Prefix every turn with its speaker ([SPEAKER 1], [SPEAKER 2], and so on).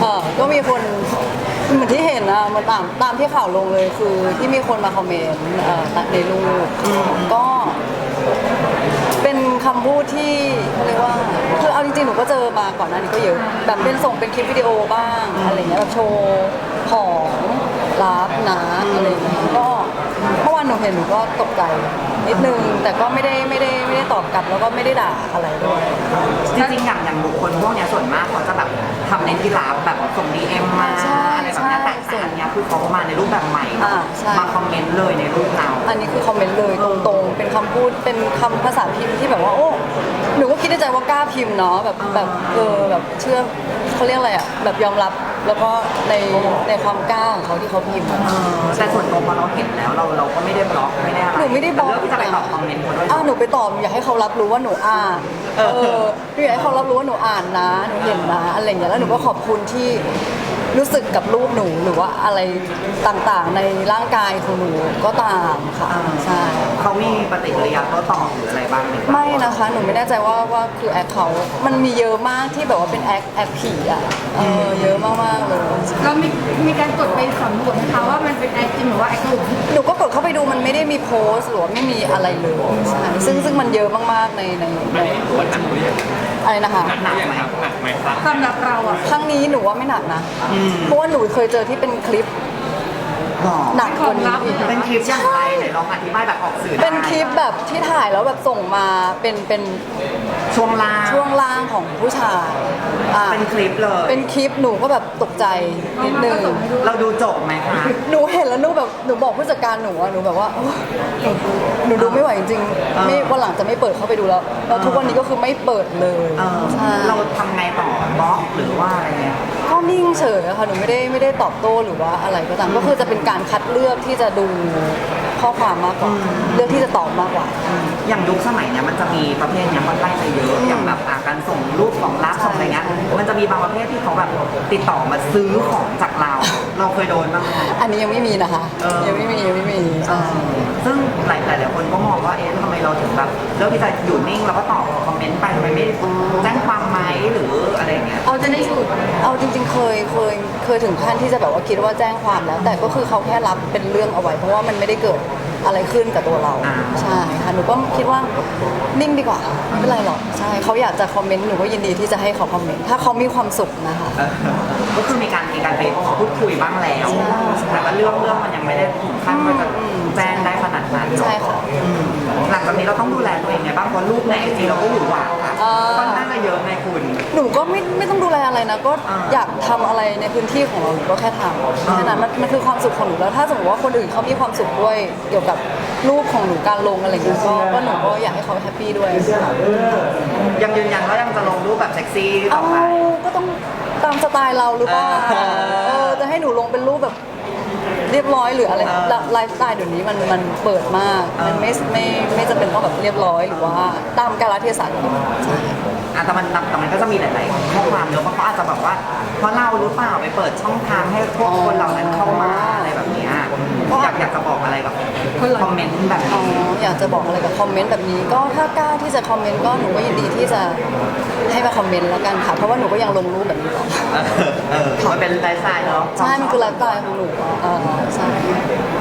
[SPEAKER 1] ก็มีคนเหมือนที่เห็นนะมันตามที่ข่าวลงเลยคือที่มีคนมาคอมเมนต์ในรูปก็เป็นคำพูดที่เขาเรียกว่าคือเอาจริงๆหนูก็เจอมาก่อนหน้านี้ก็เยอะแบบเป็นส่งเป็นคลิปวิดีโอบ้างอะไรเงี้ยแบบโชว์ของลับนะอะไรเงี้ยก็เมื่อวานหนูเห็นหนูก็ตกใจนิดนึงแต่ก็ไม่ได้ตอบกลับแล้วก็ไม่ได้ด่าอะไรด้วย
[SPEAKER 2] จริงๆอย่างบุคคลพวกนี้ส่วนมากเขาจะแบบทำในที่ลับแบบส่ง DM มาอะไรแบบนี้แต่อันนี้คือเขามาในรูปแบบใหม่มาคอมเมนต์เลยในรูปเรา
[SPEAKER 1] อันนี้คือคอมเมนต์เลยตรงๆเป็นคำพูดเป็นคำภาษาพิมพ์ที่แบบว่าโอ้หนูก็คิดในใจว่ากล้าพิมพ์เนาะแบบแบบเชื่อเขาเรียกอะไรอ่ะแบบยอมรับแล้วก็ในความกล้าของเขาที่เขาพิมพ์
[SPEAKER 2] แต่ส่วนตัวพอเราเห็นแล้วเราก็ไม่ได้บล็อกไม่ได้อะไร
[SPEAKER 1] หนูไม่ได้บล็อก
[SPEAKER 2] เลือกที่จะไปตอบคอมเมนต์เขาด้วย
[SPEAKER 1] หนูไปตอบอยากให้เขารับรู้ว่าหนูอ่านหนูอยากให้เขารับรู้ว่าหนูอ่านนะหนูเห็นนะอะไรอย่างเงี้ยแล้วหนูก็ขอบคุณที่รู้สึกกับรูปหนูหรือว่าอะไรต่างๆในร่างกายของหนูก็ตามค่ะใช่
[SPEAKER 2] เขามีปฏิกิริยาโต้ตอบหรืออะไรบ้างไหม
[SPEAKER 1] ไม่นะคะหนูไม่แน่ใจว่าคือแอคเขามันมีเยอะมากที่แบบว่าเป็นแอคผีอ่ะเยอะมากๆเลย
[SPEAKER 3] เรามีการกดไปสำรวจนะคะว่ามันเป็นแอคจริงหรือว่าแอคหลุม
[SPEAKER 1] หนูก็กดเข้าไปดูมันไม่ได้มีโพสต์หรือว่าไม่มีอะไรเลยใช่ซึ่งมันเยอะมากๆในอะไรนะคะ
[SPEAKER 2] หนักไหมครับ
[SPEAKER 3] สำหรับเราอ่ะ
[SPEAKER 1] ครั้งนี้หนูว่าไม่หนักนะเพราะว่าหนูเคยเจอที่เป็นคลิปหนักกว่านี้อีก
[SPEAKER 2] เป็นคลิปอย่างไรไหนลองอธิบายแบบออกสื่อ
[SPEAKER 1] เป็นคลิปแบบที่ถ่ายแล้วแบบส่งมาเป็น
[SPEAKER 2] ช่วง
[SPEAKER 1] ล่างของผู้ชาย
[SPEAKER 2] เป็นคลิปเลย
[SPEAKER 1] เป็นคลิปหนูก็แบบตกใจนิดนึง
[SPEAKER 2] เราดูจบไหมคะ
[SPEAKER 1] หนูเห็นแล้วหนูบอกผู้จัดการหนูว่าหนูแบบว่าหนูดูไม่ไหวจริงๆไม่วันหลังจะไม่เปิดเข้าไปดูแล้วทุกวันนี้ก็คือไม่เปิดเลย
[SPEAKER 2] เราทำไงต่อบล็อกหรือว่าอะไรเงี้ย
[SPEAKER 1] ก็นิ่งเฉยค่ะหนูไม่ได้ตอบโต้หรือว่าอะไรก็ตามก็คือจะเป็นการคัดเลือกที่จะดูข้อความมากกว่าเลือกที่จะตอบมากกว่า
[SPEAKER 2] อย่างยุคสมัยเนี้ยมันจะมีประเภทเนี้ยมันไล่ไปเยอะอย่างแบบการส่งรูปของลับส่งอะไรเงี้ยมันจะมีบางประเภทที่เขาแบบติดต่อมาซื้อของจากเราเคยโดนบ้างไหม
[SPEAKER 1] อันนี้ยังไม่มีนะคะยังไม่มี
[SPEAKER 2] ซึ่งหลายคนก็มองว่าทำไมเราถึงแบบเลือกที่จะอยู่นิ่งแล้วก็ตอบคอมเมนต์ไปทำไมไม่แจ้งความไหมหรืออะไรเงี้ย
[SPEAKER 1] เอาจะได้สูตรเอาจริงๆเคยถึงขั้นที่จะแบบว่าคิดว่าแจ้งความแล้วแต่ก็คือเขาแค่รับเป็นเรื่องเอาไว้เพราะว่ามันไม่ได้เกิดอะไรขึ้นกับตัวเราใช่ค่ะหนูก็คิดว่านิ่งดีกว่าไม่เป็นไรหรอกใช่เขาอยากจะคอมเมนต์หนูก็ยินดีที่จะให้เขาคอมเมนต์ถ้าเขามีความสุขนะคะ
[SPEAKER 2] ก็คือมีการไปพูดคุยบ้างแล้วแต่ว่าเรื่องมันยังไม่ได้ถึงขั้นว่าจะแจ้งได้ขนาดนั้น
[SPEAKER 1] ใช่ค่ะ
[SPEAKER 2] หลังจากนี้เราต้องดูแลตัวเองไงบ้างเพราะลูกในไอจีเราก็อยู่หวานค่อนข้างจะเยอะในคุณ
[SPEAKER 1] หนูก็ไม่ต้องดูแลอะไรนะก็อยากทำอะไรในพื้นที่ของเราหนูก็แค่ทำแค่นั้นมันคือความสุขของหนูแล้วถ้าสมมติว่าคนอื่นเขามีความสุขด้วยเกี่ยวกับรูปของหนูการลงอะไรอย่างเงี้ยก็หนูก็อยากให้เขาแฮปปี้ด้วย
[SPEAKER 2] ยังยืนยันว่ายังจะลงรูปแบบเซ็กซี่ต่อไป
[SPEAKER 1] ก็ต้องตามสไตล์เราหรือเปล่าจะให้หนูลงเป็นรูปแบบเรียบร้อยหรืออะไรไลฟ์สไตล์เดี๋ยวนี้มันเปิดมากมันไม่จำเป็นต้องแบบเรียบร้อยหรือว่าตามกาลเทศะใช่
[SPEAKER 2] แต่มันก็จะมีหลายๆข้อความเยอะเพราะเขาอาจจะแบบว่าเพราะเราหรือเปล่าไปเปิดช่องทางให้พวกคนเหล่านั้นเข้ามาอะไรแบบนี้อยากจะบอกอะไรกับคอมเมนต์แบบนี้
[SPEAKER 1] อยากจะบอกอะไรกับคอมเมนต์แบบนี้ก็ถ้ากล้าที่จะคอมเมนต์ก็หนูก็ยินดีที่จะให้มาคอมเมนต์แล้วกันค่ะเพราะว่าหนูก็ยังลงรูปแบบนี้ต่อ
[SPEAKER 2] มันเป็นไลฟ์สไตล์เนาะ
[SPEAKER 1] ใช่มันคือไลฟ์สไตล์ของหนูใช่